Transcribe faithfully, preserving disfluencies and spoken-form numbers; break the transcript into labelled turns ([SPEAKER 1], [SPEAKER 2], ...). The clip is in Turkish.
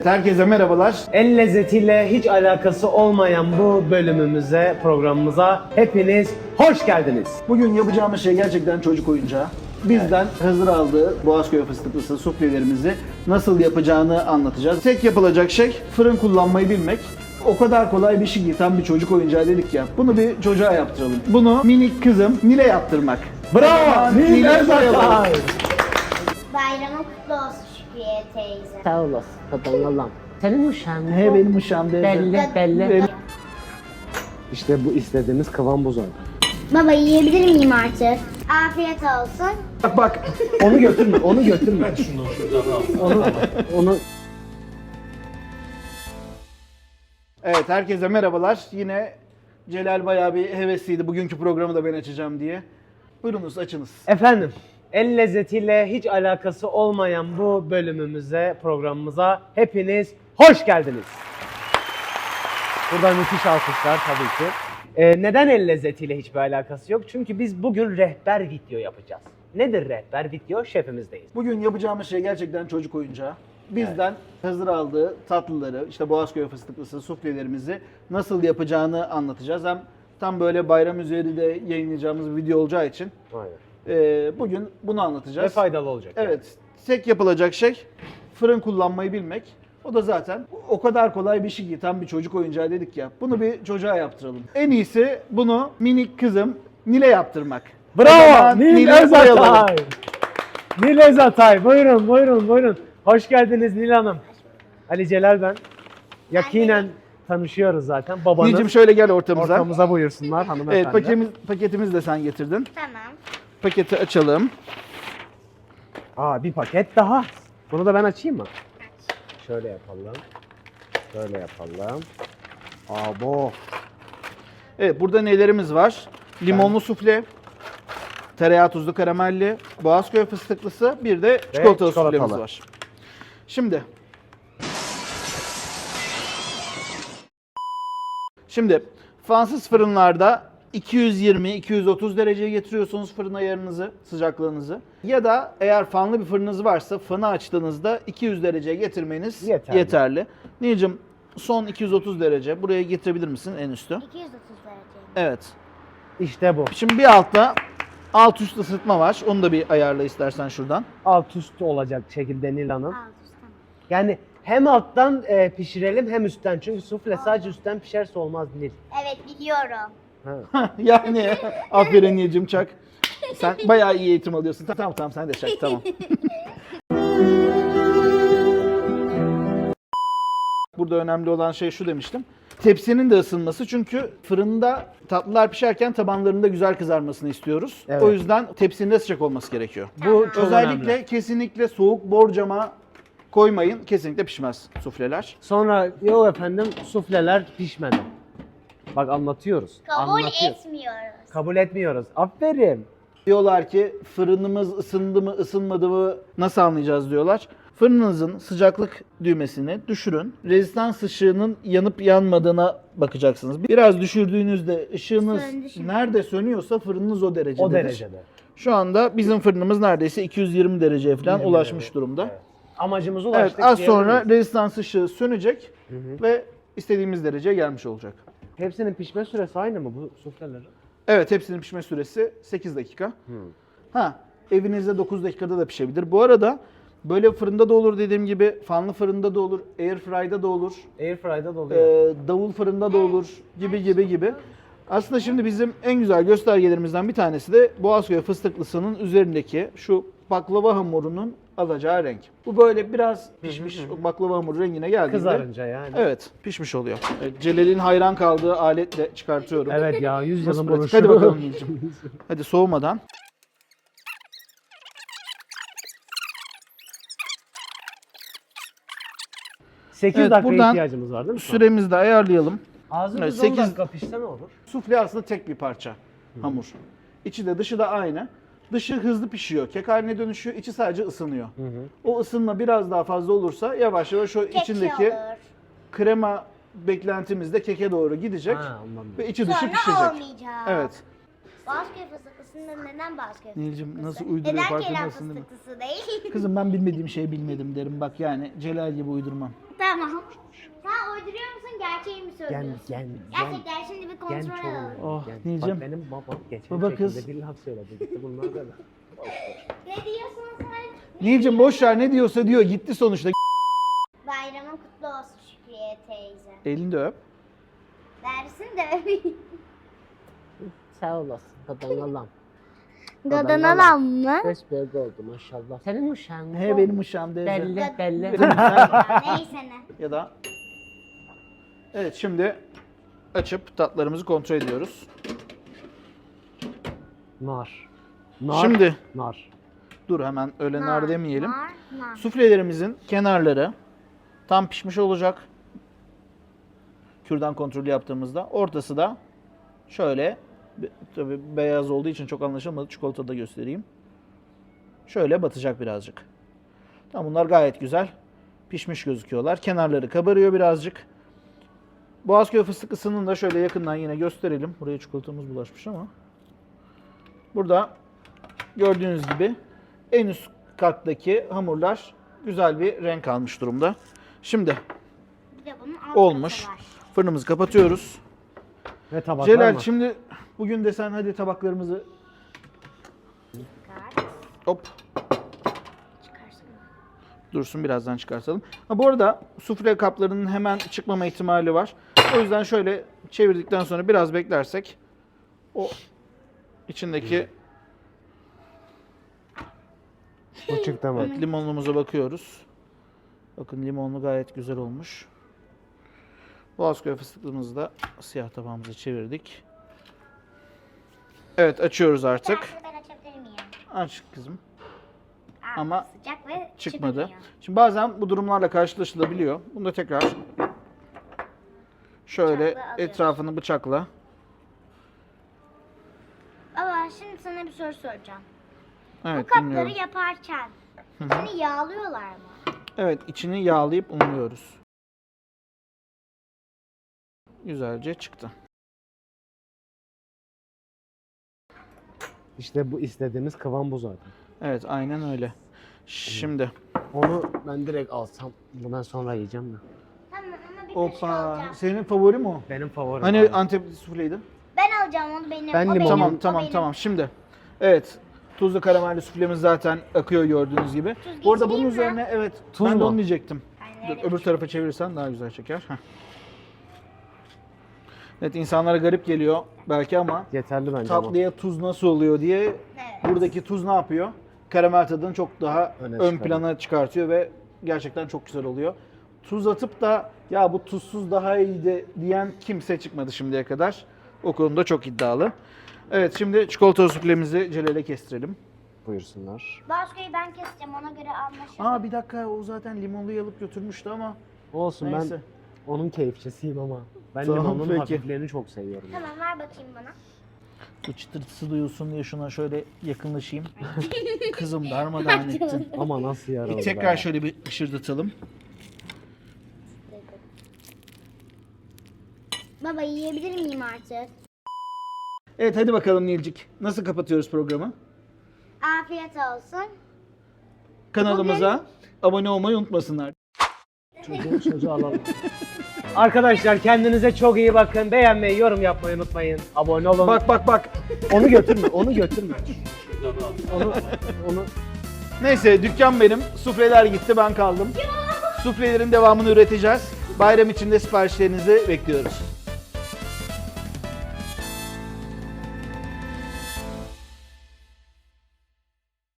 [SPEAKER 1] Herkese merhabalar.
[SPEAKER 2] El lezzetiyle hiç alakası olmayan bu bölümümüze, programımıza hepiniz hoş geldiniz.
[SPEAKER 1] Bugün yapacağımız şey gerçekten çocuk oyuncağı. Bizden hazır aldığı Boğazköy fıstıklısı suflelerimizi nasıl yapacağını anlatacağız. Tek yapılacak şey fırın kullanmayı bilmek. O kadar kolay bir şey ki tam bir çocuk oyuncağı dedik ya. Bunu bir çocuğa yaptıralım. Bunu minik kızım Nil'e yaptırmak.
[SPEAKER 2] Bravo!
[SPEAKER 1] Nil'e
[SPEAKER 2] Nil'e
[SPEAKER 1] yaptıralım.
[SPEAKER 3] Bayramın kutlu olsun Şükriye teyze.
[SPEAKER 4] Sağ olasın. Tadan Allah'ım. Senin uşağın mı?
[SPEAKER 1] He benim uşağım dedi.
[SPEAKER 4] Belli belli.
[SPEAKER 1] Benim-
[SPEAKER 2] İşte bu istediğimiz kıvam bu zaten.
[SPEAKER 3] Baba yiyebilir miyim artık? Afiyet olsun.
[SPEAKER 1] Bak bak.
[SPEAKER 2] Onu götürme, onu götürme. onu, onu
[SPEAKER 1] Evet, herkese merhabalar. Yine Celal bayağı bir hevesliydi bugünkü programı da ben açacağım diye. Buyurunuz, açınız.
[SPEAKER 2] Efendim, el lezzetiyle hiç alakası olmayan bu bölümümüze, programımıza hepiniz hoş geldiniz. Burada müthiş alkışlar tabii ki. Ee, neden el lezzetiyle hiçbir alakası yok? Çünkü biz bugün rehber video yapacağız. Nedir rehber video? Şefimizdeyiz.
[SPEAKER 1] Bugün yapacağımız şey gerçekten çocuk oyuncağı. Bizden hazır aldığı tatlıları, işte Boğazköy fıstıklısı suflelerimizi nasıl yapacağını anlatacağız. Hem tam böyle bayram üzeri de yayınlayacağımız bir video olacağı için
[SPEAKER 2] Aynen.
[SPEAKER 1] e, bugün bunu anlatacağız.
[SPEAKER 2] Ve faydalı olacak.
[SPEAKER 1] Evet, tek yapılacak şey fırın kullanmayı bilmek. O da zaten o kadar kolay bir şey ki tam bir çocuk oyuncağı dedik ya. Bunu bir çocuğa yaptıralım. En iyisi bunu minik kızım Nil'e yaptırmak. O
[SPEAKER 2] Bravo!
[SPEAKER 1] zaman
[SPEAKER 2] Nil
[SPEAKER 1] Nil'e koyalım.
[SPEAKER 2] Özatay! Nil Özatay, buyurun buyurun buyurun. Hoş geldiniz Nil Hanım. Ali Celal ben. Yakinen tanışıyoruz zaten. Babanız
[SPEAKER 1] Nil'cim şöyle gel ortamıza.
[SPEAKER 2] ortamıza buyursunlar hanımefendi.
[SPEAKER 1] Evet, paketimiz, paketimizi de sen getirdin.
[SPEAKER 3] Tamam.
[SPEAKER 1] Paketi açalım.
[SPEAKER 2] Aa, bir paket daha. Bunu da ben açayım mı? Şöyle yapalım. Şöyle yapalım. Abo.
[SPEAKER 1] Evet, burada nelerimiz var? Limonlu sufle, tereyağı tuzlu karamelli, Boğazköy fıstıklısı, bir de çikolatalı
[SPEAKER 2] çikolatalı.
[SPEAKER 1] suflemiz var. Şimdi Şimdi Fransız fırınlarda iki yüz yirmi iki yüz otuz dereceye getiriyorsunuz fırın ayarınızı, sıcaklığınızı. Ya da eğer fanlı bir fırınınız varsa fanı açtığınızda iki yüz dereceye getirmeniz
[SPEAKER 2] Yeterli.
[SPEAKER 1] yeterli. Nilcim, son iki yüz otuz derece buraya getirebilir misin en üstü?
[SPEAKER 3] iki yüz otuz derece.
[SPEAKER 1] Evet.
[SPEAKER 2] İşte bu.
[SPEAKER 1] Şimdi bir altta alt üst ısıtma var. Onu da bir ayarla istersen şuradan.
[SPEAKER 2] Alt üst olacak şekilde Nil Hanım.
[SPEAKER 3] Alt üst tamam.
[SPEAKER 2] Yani hem alttan e, pişirelim hem üstten. Çünkü sufle sadece üstten pişerse olmaz Nil.
[SPEAKER 3] Evet biliyorum.
[SPEAKER 2] Ha.
[SPEAKER 1] Yani aferin Nilcim, çak. Sen bayağı iyi eğitim alıyorsun. Tamam tamam, sen de çak, tamam. Burada önemli olan şey şu demiştim. Tepsinin de ısınması, çünkü fırında tatlılar pişerken tabanlarında güzel kızarmasını istiyoruz.
[SPEAKER 2] Evet.
[SPEAKER 1] O yüzden tepsinin de sıcak olması gerekiyor.
[SPEAKER 2] Bu çok
[SPEAKER 1] Özellikle
[SPEAKER 2] önemli.
[SPEAKER 1] kesinlikle soğuk borcama koymayın. Kesinlikle pişmez sufleler.
[SPEAKER 2] Sonra yok efendim sufleler pişmedi. Bak anlatıyoruz.
[SPEAKER 3] Kabul
[SPEAKER 2] anlatıyoruz.
[SPEAKER 3] etmiyoruz.
[SPEAKER 2] Kabul etmiyoruz. Aferin.
[SPEAKER 1] Diyorlar ki fırınımız ısındı mı ısınmadı mı nasıl anlayacağız diyorlar. Fırınınızın sıcaklık düğmesini düşürün. Rezistans ışığının yanıp yanmadığına bakacaksınız. Biraz düşürdüğünüzde ışığınız
[SPEAKER 3] Söndü şimdi.
[SPEAKER 1] nerede sönüyorsa fırınınız o derecededir.
[SPEAKER 2] O derecede.
[SPEAKER 1] Şu anda bizim fırınımız neredeyse iki yüz yirmi dereceye falan
[SPEAKER 2] yirmi
[SPEAKER 1] ulaşmış
[SPEAKER 2] derece.
[SPEAKER 1] durumda.
[SPEAKER 2] Evet. Amacımıza
[SPEAKER 1] Evet,
[SPEAKER 2] ulaştık
[SPEAKER 1] az
[SPEAKER 2] diyebilir
[SPEAKER 1] sonra
[SPEAKER 2] miyiz?
[SPEAKER 1] rezistans ışığı sönecek ve istediğimiz dereceye gelmiş olacak.
[SPEAKER 2] Hepsinin pişme süresi aynı mı bu suflelerin?
[SPEAKER 1] Evet, hepsinin pişme süresi sekiz dakika. Ha, evinizde dokuz dakikada da pişebilir. Bu arada böyle fırında da olur, dediğim gibi fanlı fırında da olur, airfry'da da olur,
[SPEAKER 2] Airfry'da da oluyor.
[SPEAKER 1] e, davul fırında da olur gibi gibi gibi. Aslında şimdi bizim en güzel göstergelerimizden bir tanesi de Boğazköy fıstıklısının üzerindeki şu baklava hamurunun alacağı renk. Bu böyle biraz pişmiş, o baklava hamuru rengine geldiğinde
[SPEAKER 2] Kızarınca yani.
[SPEAKER 1] evet, pişmiş oluyor. Evet, Celal'in hayran kaldığı aletle çıkartıyorum.
[SPEAKER 2] Evet ya yüz
[SPEAKER 1] Nasıl
[SPEAKER 2] yılın
[SPEAKER 1] pratik?
[SPEAKER 2] buluşu.
[SPEAKER 1] Hadi bakalım Nilcim. Hadi soğumadan.
[SPEAKER 2] sekiz
[SPEAKER 1] Evet,
[SPEAKER 2] dakika
[SPEAKER 1] buradan
[SPEAKER 2] ihtiyacımız var değil mi? şu an?
[SPEAKER 1] Süremizi de ayarlayalım.
[SPEAKER 2] Ağzımız
[SPEAKER 1] Evet,
[SPEAKER 2] on
[SPEAKER 1] sekiz
[SPEAKER 2] dakika pişse ne olur?
[SPEAKER 1] Sufle aslında tek bir parça hamur. İçi de dışı da aynı. Dışı hızlı pişiyor, kek haline dönüşüyor, içi sadece ısınıyor. O ısınma biraz daha fazla olursa yavaş yavaş o
[SPEAKER 3] Kek
[SPEAKER 1] içindeki
[SPEAKER 3] olur.
[SPEAKER 1] krema beklentimiz de keke doğru gidecek
[SPEAKER 2] Ha, ondan
[SPEAKER 1] ve içi dışı
[SPEAKER 3] Sonra
[SPEAKER 1] pişecek.
[SPEAKER 3] olmayacak.
[SPEAKER 1] Evet.
[SPEAKER 3] Boğazköy fıstıklısında neden Boğazköy
[SPEAKER 1] Nilcim
[SPEAKER 3] fıstıklısı?
[SPEAKER 1] nasıl uyduruyor
[SPEAKER 3] Neden Kerem
[SPEAKER 1] farkındasın değil mi?
[SPEAKER 3] fıstıklısı değil?
[SPEAKER 1] Kızım ben bilmediğim şeyi bilmedim derim. Bak yani Celal gibi uydurmam.
[SPEAKER 3] Tamam. Sen uyduruyor musun, gerçeği mi
[SPEAKER 2] Gel
[SPEAKER 3] söylüyorsun?
[SPEAKER 2] gel
[SPEAKER 3] Gerçekten şimdi bir
[SPEAKER 2] gel
[SPEAKER 3] kontrol
[SPEAKER 2] çoğul.
[SPEAKER 3] alalım.
[SPEAKER 1] Oh,
[SPEAKER 2] Gel.
[SPEAKER 1] Nilcim.
[SPEAKER 2] Bak benim babam geçen
[SPEAKER 1] Baba
[SPEAKER 2] şekilde
[SPEAKER 1] kız.
[SPEAKER 2] bir laf söyledi. Gitti bunlar da.
[SPEAKER 3] Ne diyorsun sen?
[SPEAKER 1] Nilcim boş ver ne diyorsa diyor gitti sonuçta.
[SPEAKER 3] Bayramın kutlu olsun Şükriye teyze.
[SPEAKER 1] Elini de öp.
[SPEAKER 3] Dersin de
[SPEAKER 4] Sağ olasın. Kadangalam.
[SPEAKER 3] Dadanalan mı?
[SPEAKER 4] Besbelli oldu maşallah. Senin uşağın mı?
[SPEAKER 1] He benim uşağım teyze.
[SPEAKER 4] Belli belli.
[SPEAKER 3] Neyse ne.
[SPEAKER 1] Ya da evet şimdi açıp tatlarımızı kontrol ediyoruz.
[SPEAKER 2] Nar. Nar.
[SPEAKER 1] Şimdi
[SPEAKER 2] Nar.
[SPEAKER 1] dur hemen öyle nar demeyelim.
[SPEAKER 3] Nar, nar.
[SPEAKER 1] Suflelerimizin kenarları tam pişmiş olacak. Kürdan kontrolü yaptığımızda. Ortası da şöyle be- tabii beyaz olduğu için çok anlaşılmadı. Çikolata da göstereyim. Şöyle batacak birazcık. Tamam bunlar gayet güzel. Pişmiş gözüküyorlar. Kenarları kabarıyor birazcık. Boğazköy fıstıklısının da şöyle yakından yine gösterelim. Buraya çikolatamız bulaşmış ama. Burada gördüğünüz gibi en üst kattaki hamurlar güzel bir renk almış durumda. Şimdi
[SPEAKER 3] Bir de bunun alt
[SPEAKER 1] olmuş.
[SPEAKER 3] katı var.
[SPEAKER 1] Fırınımızı kapatıyoruz.
[SPEAKER 2] Ve tabaklar
[SPEAKER 1] Celal
[SPEAKER 2] mı?
[SPEAKER 1] şimdi bugün de sen hadi tabaklarımızı
[SPEAKER 3] Çıkar.
[SPEAKER 1] hop
[SPEAKER 3] Çıkarsın.
[SPEAKER 1] dursun birazdan çıkartalım. Ha, bu arada sufle kaplarının hemen çıkmama ihtimali var. O yüzden şöyle çevirdikten sonra biraz beklersek o içindeki
[SPEAKER 2] Bu çıktı mı?
[SPEAKER 1] evet, limonluğumuza bakıyoruz. Bakın limonlu gayet güzel olmuş. Boğazköy fıstıklığımızı da siyah tabağımıza çevirdik. Evet açıyoruz artık.
[SPEAKER 3] Artık ben açabilir miyim?
[SPEAKER 1] Aç kızım.
[SPEAKER 3] Aa,
[SPEAKER 1] Ama
[SPEAKER 3] sıcak ve
[SPEAKER 1] Çıkmadı.
[SPEAKER 3] çıkmıyor.
[SPEAKER 1] Şimdi bazen bu durumlarla karşılaşılabiliyor. Bunu da tekrar şöyle
[SPEAKER 3] Bıçakla alıyoruz.
[SPEAKER 1] etrafını bıçakla.
[SPEAKER 3] Baba şimdi sana bir soru soracağım.
[SPEAKER 1] Evet
[SPEAKER 3] Bu kapları
[SPEAKER 1] dinliyorum.
[SPEAKER 3] yaparken seni yağlıyorlar mı?
[SPEAKER 1] Evet içini yağlayıp unluyoruz. Güzelce çıktı.
[SPEAKER 2] İşte bu istediğimiz kıvam bu zaten.
[SPEAKER 1] Evet aynen öyle. Şimdi
[SPEAKER 2] Onu ben direkt alsam. Bundan sonra yiyeceğim de.
[SPEAKER 3] Tamam ama bir kaşık
[SPEAKER 1] hoppa
[SPEAKER 3] alacağım.
[SPEAKER 1] senin favori mi o?
[SPEAKER 2] Benim favorim.
[SPEAKER 1] Hani
[SPEAKER 2] abi.
[SPEAKER 1] Antep sufleydi?
[SPEAKER 3] Ben alacağım onu benim.
[SPEAKER 2] Ben
[SPEAKER 3] o
[SPEAKER 2] limon-
[SPEAKER 3] benim,
[SPEAKER 1] Tamam
[SPEAKER 3] o
[SPEAKER 1] tamam
[SPEAKER 3] benim.
[SPEAKER 1] tamam şimdi. Evet. Tuzlu karamelli suflemiz zaten akıyor gördüğünüz gibi.
[SPEAKER 3] Tuz
[SPEAKER 1] Bu arada bunun
[SPEAKER 3] getireyim mi?
[SPEAKER 1] üzerine evet
[SPEAKER 2] Tuz
[SPEAKER 1] ben de
[SPEAKER 2] mu?
[SPEAKER 1] onu diyecektim.
[SPEAKER 3] Aynen
[SPEAKER 1] Dur
[SPEAKER 3] öyle.
[SPEAKER 1] öbür tarafa çevirirsen daha güzel çeker. Heh. Evet insanlara garip geliyor belki ama
[SPEAKER 2] Yeterli bence ama.
[SPEAKER 1] tatlıya tuz nasıl oluyor diye
[SPEAKER 3] Evet.
[SPEAKER 1] buradaki tuz ne yapıyor? Karamel tadını çok daha
[SPEAKER 2] Öne
[SPEAKER 1] ön
[SPEAKER 2] çıkarıyor.
[SPEAKER 1] plana çıkartıyor ve gerçekten çok güzel oluyor. Tuz atıp da ya bu tuzsuz daha iyiydi diyen kimse çıkmadı şimdiye kadar. O konuda çok iddialı. Evet şimdi çikolata suflemizi Celal'e kestirelim.
[SPEAKER 2] Buyursunlar.
[SPEAKER 3] Boğazköy'ü ben keseceğim ona göre anlaşalım.
[SPEAKER 1] Aa bir dakika o zaten limonlu alıp götürmüştü ama
[SPEAKER 2] Olsun
[SPEAKER 1] neyse.
[SPEAKER 2] ben onun keyifçisiyim ama. Ben
[SPEAKER 1] Tamam,
[SPEAKER 2] limonun
[SPEAKER 1] peki.
[SPEAKER 2] hafiflerini çok seviyorum.
[SPEAKER 3] Tamam ver bakayım bana.
[SPEAKER 1] Bu çıtırtısı duyulsun diye şuna şöyle yakınlaşayım. Kızım darmadağın ettin.
[SPEAKER 2] Ama nasıl yaralı
[SPEAKER 1] E, tekrar
[SPEAKER 2] be.
[SPEAKER 1] şöyle bir ışırdatalım.
[SPEAKER 3] Baba yiyebilir miyim artık?
[SPEAKER 1] Evet hadi bakalım Nilcik. Nasıl kapatıyoruz programı?
[SPEAKER 3] Afiyet olsun.
[SPEAKER 1] Kanalımıza abone olmayı unutmasınlar.
[SPEAKER 2] Çocuğu, çocuğu alalım. Arkadaşlar kendinize çok iyi bakın. Beğenmeyi, yorum yapmayı unutmayın. Abone olun.
[SPEAKER 1] Bak bak bak.
[SPEAKER 2] Onu götürme, onu götürme. onu, onu
[SPEAKER 1] Neyse dükkan benim. Sufleler gitti ben kaldım. Suflelerin devamını üreteceğiz. Bayram içinde siparişlerinizi bekliyoruz.